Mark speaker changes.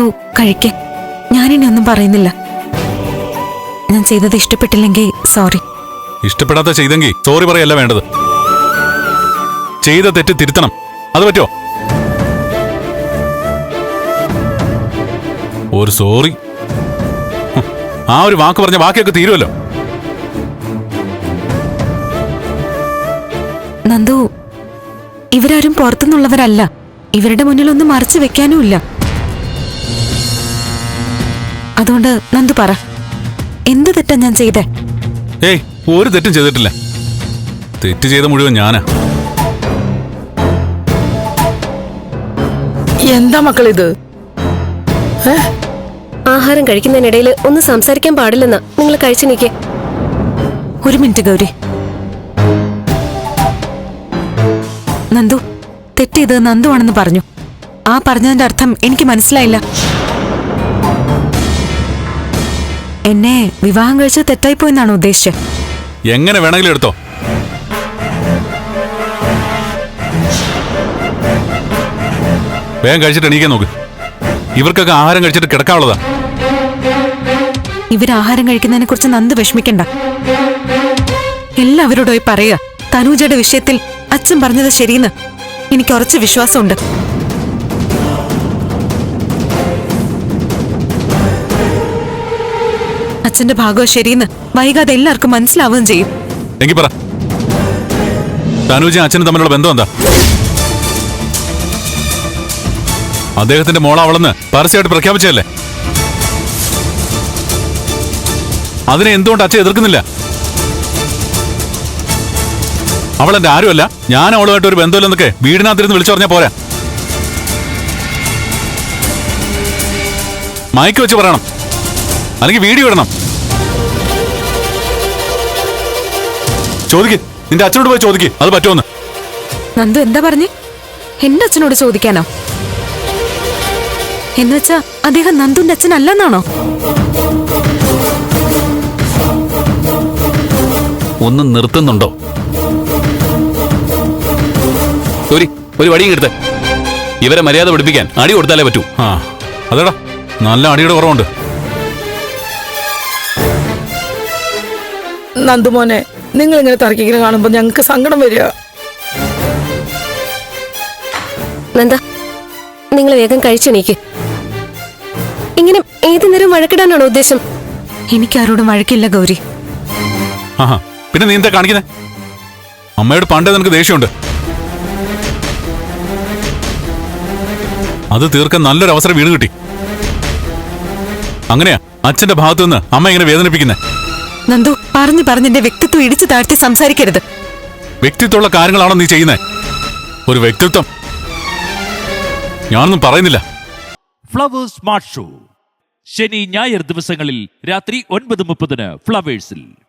Speaker 1: കഴിക്കേ. ഞാനിനി ഒന്നും പറയുന്നില്ല. ഞാൻ ചെയ്തത് ഇഷ്ടപ്പെട്ടില്ലെങ്കിൽ സോറി.
Speaker 2: ഇഷ്ടപ്പെടാത്ത ചെയ്തെങ്കിൽ സോറി പറയല്ല വേണ്ടത്. ചെയ്ത തെറ്റ് തിരുത്തണം. അത് പറ്റോ? ഒരു സോറി, ആ ഒരു വാക്ക് പറഞ്ഞ ബാക്കിയൊക്കെ തീരുമല്ലോ.
Speaker 1: നന്ദു, ഇവരാരും പുറത്തുനിന്നുള്ളവരല്ല. ഇവരുടെ മുന്നിലൊന്നും മറച്ചു വെക്കാനുമില്ല. അതുകൊണ്ട് നന്ദു പറ, എന്ത് തെറ്റാ ഞാൻ ചെയ്തേ?
Speaker 2: ഏയ്, ഒരു തെറ്റും ചെയ്തിട്ടില്ല. തെറ്റ് ചെയ്ത മുഴുവൻ ഞാനാ.
Speaker 3: എന്താ മക്കളിത്?
Speaker 4: ആഹാരം കഴിക്കുന്നതിനിടയിൽ ഒന്ന് സംസാരിക്കാൻ പാടില്ലെന്നാ നിങ്ങൾ കഴിച്ചു നിൽക്കേ.
Speaker 1: ഒരു മിനിറ്റ് ഗൗരി. നന്ദു, തെറ്റ് ചെയ്തത് നന്ദു ആണെന്ന് പറഞ്ഞു. ആ പറഞ്ഞതിന്റെ അർത്ഥം എനിക്ക് മനസ്സിലായില്ല. എന്നെ വിവാഹം കഴിച്ചത് തെറ്റായിപ്പോയെന്നാണ് ഉദ്ദേശിച്ചത്.
Speaker 2: എങ്ങനെ വേണമെങ്കിലും എടുത്തോ. വേഗം കഴിച്ചിട്ട് എണീക്കാൻ നോക്ക്. ഇവർക്കൊക്കെ ആഹാരം കഴിച്ചിട്ട് കിടക്കാനുള്ളതാ.
Speaker 1: ഇവരാഹാരം കഴിക്കുന്നതിനെ കുറിച്ച് നന്ദു വിഷമിക്കണ്ട. എല്ലാവരോടുമായി പറയുക, തനൂജയുടെ വിഷയത്തിൽ അച്ഛൻ പറഞ്ഞത് ശരിയെന്ന് എനിക്ക് ഉറച്ച വിശ്വാസമുണ്ട്. അച്ഛന്റെ ഭാഗവും ശരിയെന്ന് വൈകാതെ എല്ലാവർക്കും മനസ്സിലാവുകയും ചെയ്യും.
Speaker 2: എങ്കിൽ പറ, തനൂജയും അച്ഛനും തമ്മിലുള്ള ബന്ധം എന്താ? അദ്ദേഹത്തിന്റെ മോളാവളെന്ന് പരസ്യമായിട്ട് പ്രഖ്യാപിച്ചതല്ലേ? അതിനെ എന്തുകൊണ്ട് അച്ഛൻ എതിർക്കുന്നില്ല? അവളെന്റെ ആരുമല്ല, ഞാൻ അവളുമായിട്ട് ഒരു ബന്ധമില്ലെന്നൊക്കെ വീടിനകത്തിരുന്ന് വിളിച്ചു പറഞ്ഞാൽ പോരാ. മയക്ക് വെച്ച് പറയണം, അല്ലെങ്കിൽ വീഡിയോ ഇടണം. ചോദിക്ക്, നിന്റെ അച്ഛനോട് പോയി ചോദിക്ക്, അത് പറ്റുമെന്ന്.
Speaker 1: നന്ദു എന്താ പറഞ്ഞേ? എന്റെ അച്ഛനോട് ചോദിക്കാനോ? എന്നുവെച്ചാ അദ്ദേഹം നന്ദുന്റെ അച്ഛനല്ലെന്നാണോ?
Speaker 2: ഒന്ന് നിർത്തുന്നുണ്ടോ? ഒരു വടിയും എടുത്ത് ഇവരെ മര്യാദ പഠിപ്പിക്കാൻ അടി കൊടുത്താലേ പറ്റൂ. ആ അതേടാ, നല്ല അടിയുടെ കുറവുണ്ട്.
Speaker 3: നന്ദുമോനെ, നിങ്ങൾ ഇങ്ങനെ തർക്കിക്കുന്ന കാണുമ്പോ ഞങ്ങൾക്ക് സങ്കടം വരിക.
Speaker 4: നന്ദ, നിങ്ങൾ വേഗം കഴിച്ചെണീക്ക്. ഇങ്ങനെ ഏത് നേരം വഴക്കിടാനാണോ ഉദ്ദേശം?
Speaker 1: എനിക്കാരോടും വഴക്കില്ല ഗൗരി.
Speaker 2: ആഹാ, പിന്നെ നീ എന്താ കാണിക്കുന്നേ? അമ്മയോട് പണ്ടേ നിനക്ക് ദേഷ്യമുണ്ട്. അത് തീർക്കാൻ നല്ലൊരു അവസരം വീണ് കിട്ടി. അങ്ങനെയാ അച്ഛന്റെ ഭാഗത്തു നിന്ന് അമ്മ ഇങ്ങനെ വേദനിപ്പിക്കുന്നേ?
Speaker 1: നന്ദു, പറഞ്ഞ് എന്റെ വ്യക്തിത്വം ഇടിച്ചു താഴ്ത്തി സംസാരിക്കരുത്.
Speaker 2: വ്യക്തിത്വമുള്ള കാര്യങ്ങളാണോ നീ ചെയ്യുന്നേ? ഒരു വ്യക്തിത്വം ഞാനൊന്നും പറയുന്നില്ല.
Speaker 5: ഫ്ലവേഴ്സ് സ്മാർട്ട് ഷോ ശനി ഞായർ ദിവസങ്ങളിൽ രാത്രി 9:30 ഫ്ലവേഴ്സിൽ.